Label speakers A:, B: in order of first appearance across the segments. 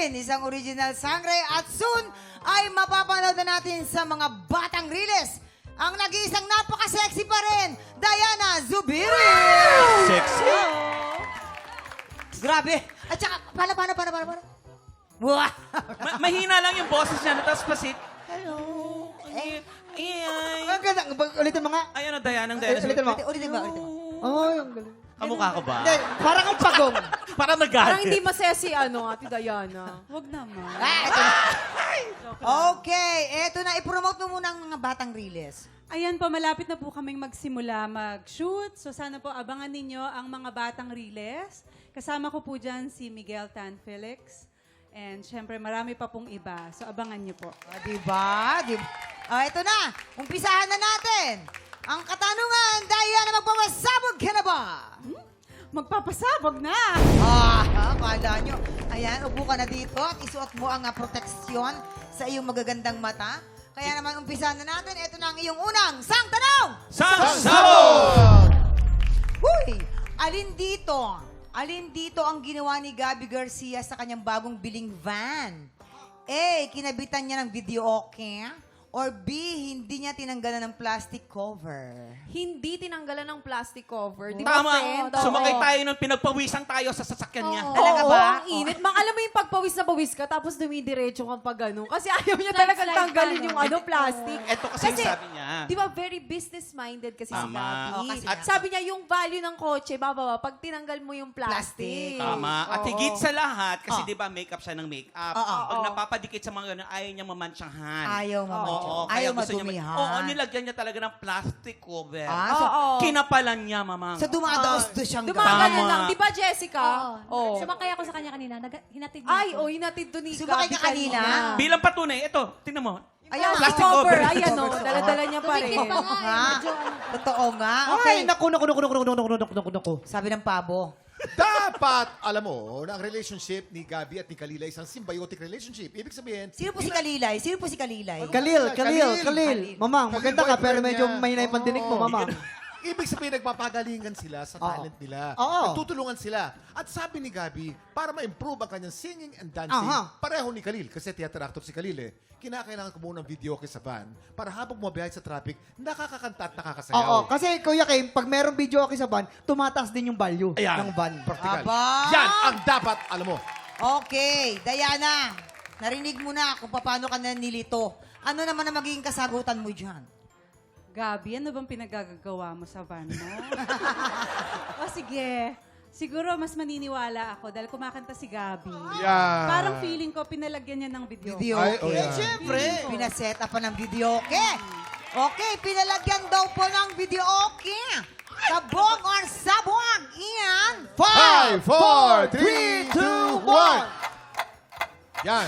A: Queen, isang original sangre at soon ay mapapanood na natin sa mga batang riles. Ang nag-iisang napaka-sexy pa rin, Diana Zubiri!
B: Sexy.
A: Grabe. At saka, paano? Wow!
B: Mahina lang yung boses niya. Tapos pasit. Hello. Ay.
C: Ang ganda. Ulitin mga.
B: Ay, ano, Diana? Diana.
C: Ulitin mo.
A: Ulitin ba?
C: Oh, ang galing.
B: Kamukha ko ba?
C: Hindi, parang ang pagong.
B: Parang
D: Parang
B: nagalit.
D: hindi masaya si Ate Diana. Huwag naman.
A: Ito na. Okay, eto na. I-promote mo muna ang mga batang riles.
E: Ayan po, malapit na po kaming magsimula mag-shoot. So sana po abangan ninyo ang mga batang riles. Kasama ko po dyan si Miguel Tan Felix. And syempre marami pa pong iba. So abangan niyo po.
A: Diba? Ito na. Umpisahan na natin. Ang katanungan, Diana, magpapasabog ka na ba?
E: Magpapasabog na!
A: Akala nyo. Ayan, upo ka na dito at isuot mo ang proteksyon sa iyong magagandang mata. Kaya naman, umpisahan na natin. Ito na ang iyong unang sang tanong!
B: Sabog!
A: Huy! Alin dito ang ginawa ni Gabby Garcia sa kanyang bagong biling van? A. Kinabitan niya ng video okay? Or B. Hindi niya tinanggalan ng plastic cover?
D: Hindi tinanggalan ng plastic cover. Di ba,
B: Tama.
D: friend?
B: Sumakay
D: Oo.
B: tayo nung pinagpawisan tayo sa sasakyan niya.
D: Oo,
A: Talaga ba?
D: ang init. Alam mo yung pagpawis na pawis ka, tapos dumidiretso kang pag gano'n. Kasi ayaw niya talaga
E: Slide
D: tanggalin
E: ka,
D: yung
E: no?
D: plastic.
B: Ito kasi yung sabi niya.
D: Di ba, very business-minded kasi si
B: Tama.
D: Gabby.
A: Oo, kasi
D: At
A: nga.
D: sabi niya, yung value ng kotse, bababa, pag tinanggal mo yung plastic.
B: Tama. At
D: Oo.
B: higit sa lahat, kasi di ba makeup siya ng makeup.
A: Oo.
B: Pag napapadikit sa mga ganun, ayaw niya mamansyahan.
A: Ayaw mamadyo.
B: Oo,
A: Ayaw
B: kaya gusto niya.
A: madumihan.
B: Oo, nilagyan niya talaga ng plastic cover.
A: So,
D: Oo.
B: Kinapalan niya, mamang.
A: so dumadaos doon siyang
D: Dumagano
B: Tama.
D: lang. Di ba, Jessica? Oo.
E: Sumakay ako sa kanya kanina. Hinatid
D: Ay, hinatid doon ni
A: Sumakay
D: Gabby
A: ka kanina?
B: Bilang patunay, ito, tingnan mo.
A: Ayan,
B: Plastic
D: cover.
B: cover.
D: Ayan o, dala-dala niya pa rin.
A: Oo nga. Totoo nga.
C: Okay,
A: Okay.
C: naku.
A: Sabi ng pabo.
F: Dapat, alam mo, na ang relationship ni Gabby at ni Kalila isang symbiotic relationship. Ibig sabihin,
A: Sino po si Kalilay?
C: Kalil. Mamang,
F: Kalil
C: maganda ka, pero
F: boyfriend
C: medyo
F: niya.
C: mahina yung pandinig mo,
F: Oo.
C: mamang.
F: Ibig sabihin, nagpapagalingan sila sa talent nila.
C: Oo.
F: Nagtutulungan sila. At sabi ni Gabby, para ma-improve ang kanyang singing and dancing,
C: Aha.
F: pareho ni Khalil, kasi theater actor si Khalil kinakailangan ko muna ng video sa van para habang bumabiyahe sa traffic, nakakakanta at nakakasayaw.
C: Oo, kasi Kuya Kim, pag merong video okay sa van, tumataas din yung value
F: Ayan.
C: ng van.
F: Practical.
A: Aba.
F: Yan ang dapat, alam mo.
A: Okay, Diana. Narinig mo na kung paano ka na nilito. Ano naman ang magiging kasagutan mo dyan?
E: Gabi, ano bang pinagagagawa mo sa van mo? O sige, siguro mas maniniwala ako dahil kumakanta si Gabi.
F: Yeah.
E: Parang feeling ko pinalagyan niya ng video.
A: Video
F: Ay,
A: okay.
F: yeah.
A: Siyempre. Pinaset up pa ng video okay. Okay, pinalagyan daw po ng video okay. Sabog or sabog, Ian.
F: 5, 4, 3, 2, 1. Yan.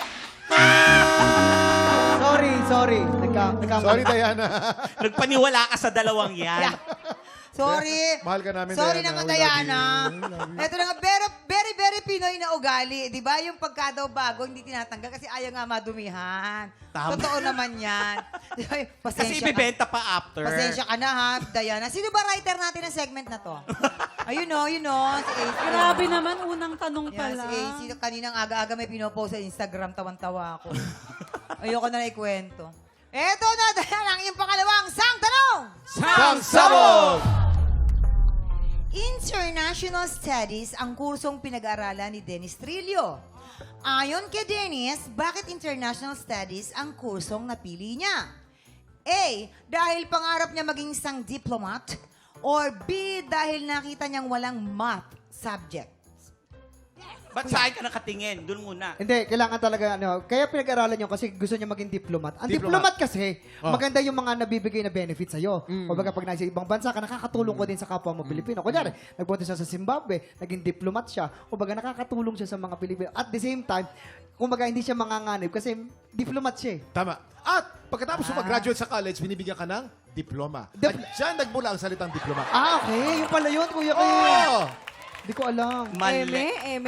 C: Sorry.
F: Sorry, Diana.
B: Nagpaniwala ka sa dalawang yan.
A: Yeah. Sorry.
F: Mahal ka namin,
A: Sorry
F: Diana.
A: naman,
F: We love
A: Diana.
F: you.
A: Ito na nga, very Pinoy na ugali. Di ba? Yung pagka daw bago, hindi tinatanggal kasi ayaw nga madumihan.
B: Tama.
A: Totoo naman yan. Di ba?
B: Kasi
A: Pasensya ka.
B: ibibenta pa after.
A: Pasensya ka na ha, Diana. Sino ba writer natin ng segment na to? Ayun o, si AC.
E: Grabe naman, unang tanong pa
A: Yan,
E: lang.
A: si AC. Kaninang aga-aga may pinopost sa Instagram. Tawan-tawa ako. Ayoko na ikwento. Eto na, Diana, ang iyong pangalawang sang tanong!
F: Sang sabog!
A: International Studies ang kursong pinag-aaralan ni Dennis Trillo. Ayon kay Dennis, bakit International Studies ang kursong napili niya? A. Dahil pangarap niya maging isang diplomat. Or B. Dahil nakita niyang walang math subject.
B: Ba't saan ka nakatingin? Doon muna.
C: Hindi, kailangan talaga, kaya pinag-aralan nyo kasi gusto niya maging diplomat. Ang diplomat kasi, maganda yung mga nabibigay na benefits sa'yo. Kumbaga, pag nasa ibang bansa ka, nakakatulong ko din sa kapwa mo Pilipino. Kunyari, nagpunta siya sa Zimbabwe, naging diplomat siya. Kumbaga, nakakatulong siya sa mga Pilipino. At the same time, kumbaga, hindi siya manganganib kasi diplomat siya.
F: Tama. At pagkatapos mo mag-graduate sa college, binibigyan ka ng diploma. At dyan nagmula ang salitang diploma.
C: Okay. Yung pala yun, Kuya Kim.
F: Oh!
C: Hindi ko alam.
B: Mali.
D: Eme.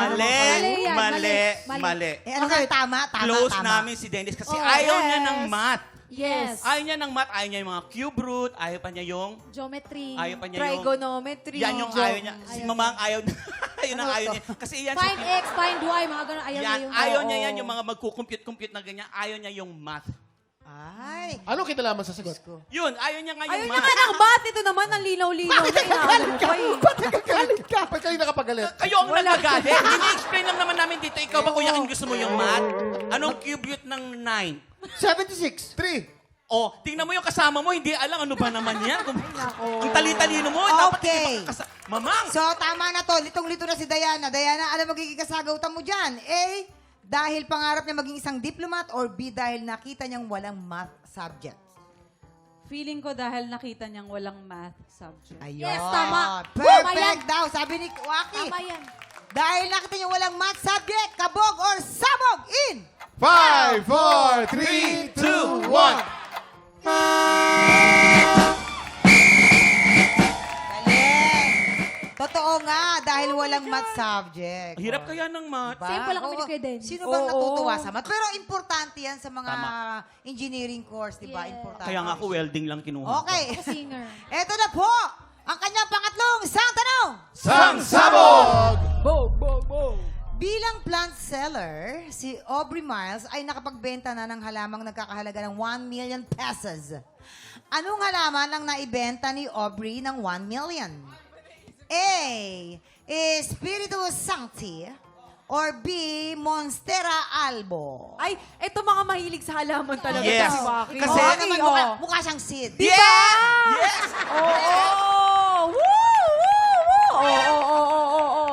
B: Mali.
A: Ano
C: Okay.
A: ka? Tama.
B: Close namin si Dennis kasi ayaw niya ng math.
D: Yes.
B: Ayaw niya ng math, ayaw niya yung mga cube root, ayaw pa niya yung...
E: Geometry.
B: Ayaw pa niya yung...
D: Trigonometry.
B: Yan yung ayaw niya. Si Mamang ayaw Yun ang ayaw niya. Kasi yan
D: Find X, find Y, mga ganun. Ayaw niya
B: yan,
D: yung...
B: ayaw
D: Oo.
B: niya yan, yung mga magkukumpute-compute na ganyan. Ayaw niya yung math.
A: Ay.
F: Anong kinalaman sa sagot?
B: Yun, ayaw niya nga
D: Ayaw
B: yung
D: niya
B: math.
D: nga ng ba't ito naman ang linaw-linaw na inaano mo pa eh.
C: Ba't nagagalit ka?
F: Ba't kayo nakapagalit?
B: Kayo ang nagagalit. Ini-explain lang naman namin dito. Ikaw ba, Kuya King, gusto mo yung math? Anong cubute ng 9?
C: 76.
F: 3.
B: Oh, tingnan mo yung kasama mo, hindi alam ano ba naman yan. Ang tali-talino mo, dapat
A: Okay.
B: hindi Mamang!
A: So, tama na to. Litong-lito na si Diana. Diana, ano magiging kasagautan mo dyan? A, dahil pangarap niya maging isang diplomat, or B, dahil nakita niyang walang math subject?
E: Feeling ko dahil nakita niyang walang math subject.
A: Ayun.
D: Yes, tama. Tama
A: Perfect
D: yan.
A: daw, sabi ni Waki.
D: Tama yan.
A: Dahil nakita niyang walang math subject, kabog or sabog in!
F: 5, 4, 3, 2, 1.
A: Galing. Totoo nga, dahil walang math subject.
B: Hirap kaya ng math.
A: Diba?
D: Same pala kami ni
A: Oo.
D: Kuya Dennis.
A: Sino bang
D: Oo.
A: natutuwa sa math? Pero importante yan sa mga
B: Tama.
A: engineering course, di ba?
D: Yes.
A: Importante.
B: Kaya nga ako welding lang kinuha.
A: Okay.
D: Ako singer.
A: Eto na po, ang kanyang pangatlong isang tanong.
F: Sang sabog!
A: Bilang plant seller, si Aubrey Miles ay nakapagbenta na ng halamang nagkakahalaga ng 1 million pesos. Anong halaman ang naibenta ni Aubrey ng 1 million? A. Espiritu Sancti, or B. Monstera Albo.
D: Ay, eto mga mahilig sa halaman talaga.
B: Yes.
D: Si Waki.
B: Kasi-
A: Oo
D: Okay,
A: naman,
D: oh.
A: mukha siyang Sid.
B: Yeah! Yes!
D: Oo! Woo! Woo! Woo! Oo!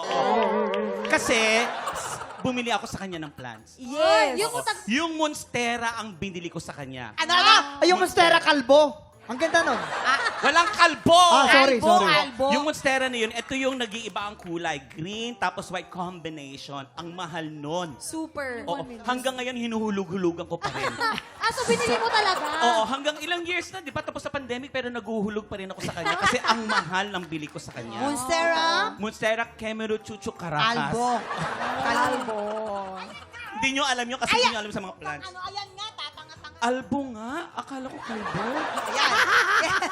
B: Kasi, bumili ako sa kanya ng plants.
D: Yes!
A: Yung
B: Yung Monstera ang binili ko sa kanya.
A: Ano na?
C: Ay, yung Monstera kalbo. Ang ganda nun.
B: Walang kalbo!
C: Sorry,
A: Albo,
C: sorry.
A: albo.
B: Yung Monstera na yun, ito yung nag-iiba ang kulay. Green tapos white combination. Ang mahal nun.
D: Super.
B: Oo, hanggang ngayon hinuhulog-hulugan ko pa rin.
D: So binili mo talaga?
B: Oo, hanggang ilang years na, di ba? Tapos sa pandemic, pero naguhulog pa rin ako sa kanya kasi ang mahal ng bili ko sa kanya.
A: Monstera
B: Monstera Kemeru Chuchu Caracas.
A: Albo.
D: Albo.
B: Hindi nyo alam yun kasi hindi nyo alam sa mga plants.
A: Ano, ayan nga, tatanga-tanga.
B: Albo nga. Akala ko kalbo.
A: Ayan. Yes.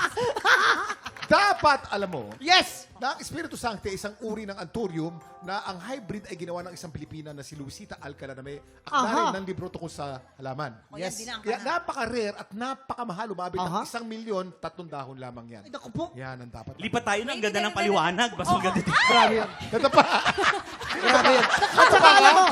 F: Dapat, alam mo,
C: Yes!
F: na ang Espiritu Sancti ay isang uri ng anthurium na ang hybrid ay ginawa ng isang Pilipina na si Luisita Alcala na may akdarin
C: Aha.
F: ng libro tungkol sa halaman.
A: O, yan din ang
F: Kaya
A: kana.
F: napaka-rare at napakamahal. Umabot ng
C: Aha.
F: 1,000,000 3 lamang yan.
C: Ay, naku po.
F: Yan ang dapat.
B: Lipat tayo ng ganda ng paliwanag. Basta ang ganda.
C: Grabe yan.
F: Ito pa.
C: Grabe yan. At saka alam mo,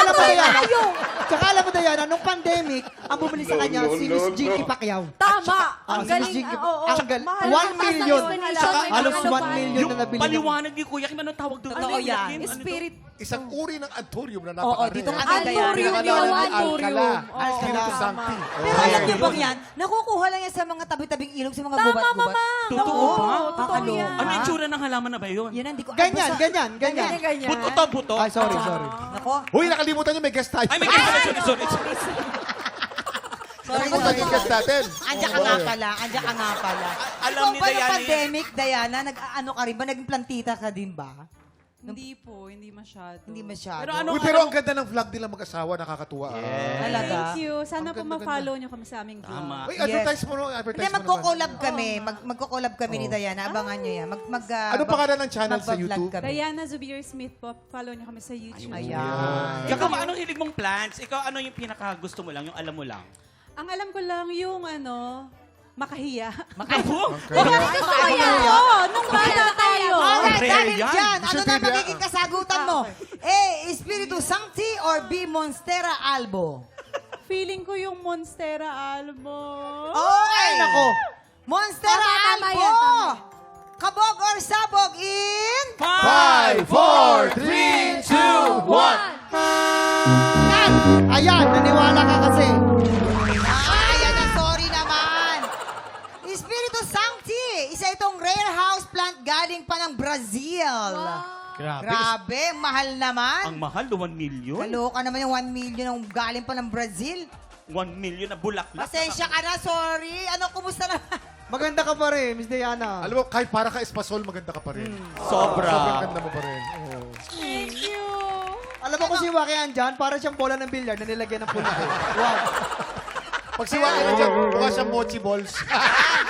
C: tsaka alam mo, Diana, nung pandemic, ang bumili sa kanya si Miss Jinky Pacquiao.
D: Tama. Ang
C: si Miss
D: galing.
C: Jinky
D: Oo.
C: Ang galing.
D: Mahal
C: 1
D: na
C: million.
D: pasang yun.
C: Saka
D: Halaman.
C: halos
D: Ano
C: 1
D: pa?
C: million
B: Yung
C: na nabili niya.
B: paliwanag ni Kuya Kim, anong tawag doon?
A: Totoo
B: Ano yun,
A: yan.
B: Kim? Ano to?
D: Spirit.
F: Isang uri ng anthurium na
A: Oo,
F: napaka-rare.
A: dito nga
D: Anturium
A: Diana.
D: yun.
F: Alcala.
D: Anturium. Oo,
F: Espiritu
D: tama.
F: Sancti.
A: Pero alam niyo bang yan, nakukuha lang yan sa mga tabi-tabing ilog, sa mga
D: Tama,
A: gubat-gubat.
D: mama.
B: Totoo ba?
D: Totoo yan.
B: Ano yung tsura ng halaman na ba yun?
A: Yan ang di ko...
C: Ganyan,
A: basta-
C: ganyan, ganyan.
D: Ganyan.
B: Buto to, buto.
C: Ay, sorry.
A: Nako.
F: Uy, nakalimutan niyo may guest tayo.
B: Ay, may sorry.
F: Nakalimutan niyo yung guest natin.
A: Andiyan ka nga pala, andiyan ka nga pala.
B: Alam
A: Ikaw
B: ni
A: ba
B: Diana
A: nung
B: yan?
A: pandemic, Diana, nag-ano ka rin ba? Naging plantita ka din ba?
E: Hindi po, hindi masyado.
A: Hindi masyado.
B: Pero ano,
F: Uy, pero ang ganda ng vlog nila mag-asawa. Nakakatuwa.
A: Talaga?
E: Thank you. Sana
F: Ang
E: po
F: ganda-ganda.
E: ma-follow niyo kami sa aming vlog.
B: Tama.
F: Uy, advertise mo no?
A: Hindi,
F: Advertise mo naman.
A: magko-collab kami. Magko-collab kami ni Diana. Abangan nyo yan.
F: Ano pangalan ng channel sa
A: magbablog
F: YouTube?
A: kami.
E: Diana Zubir Smith po. Follow niyo kami sa YouTube.
A: Ayan.
B: Ikaw ba, anong hilig mong plants? Ikaw, ano yung pinaka gusto mo lang, yung alam mo lang?
E: Ang alam ko lang yung makahiya.
B: Makapo?
E: Oo, nung bata tayo.
A: Alright,
B: Rare
A: dahil
B: yan.
A: dyan, ano
F: Michelle
A: na
F: Trivia.
A: magiging kasagutan mo? A. Espiritu Sancti or B. Monstera Albo?
E: Feeling ko yung Monstera Albo.
A: Okay!
C: Nako.
A: Monstera
D: Tama
A: Albo!
D: yan, tama.
A: Kabog or sabog in...
F: 5, 4, 3, 2, 1.
C: Ayan, naniwala ka kasi.
A: Ayan na, sorry naman. Espiritu Sancti, isa itong rare house plant galing pa ng Brazil. Grabe, mahal naman.
B: Ang mahal, 1 million?
A: Kaloka naman yung 1 million ang galing pa ng Brazil.
B: 1 million na bulaklak.
A: Pasensya ka na, sorry. Ano, kumusta naman?
C: Maganda ka pa rin, Miss Diana.
F: Alam mo, kahit para ka espasol, maganda ka pa rin.
B: Sobra.
F: Sobrang ganda mo pa rin. Oo.
E: Thank you.
C: Alam mo kung si Waki andyan, para siyang bola ng bilyar na nilagyan ng pula. Wow.
F: Pag siwain na dyan, mukha siyang mochi balls.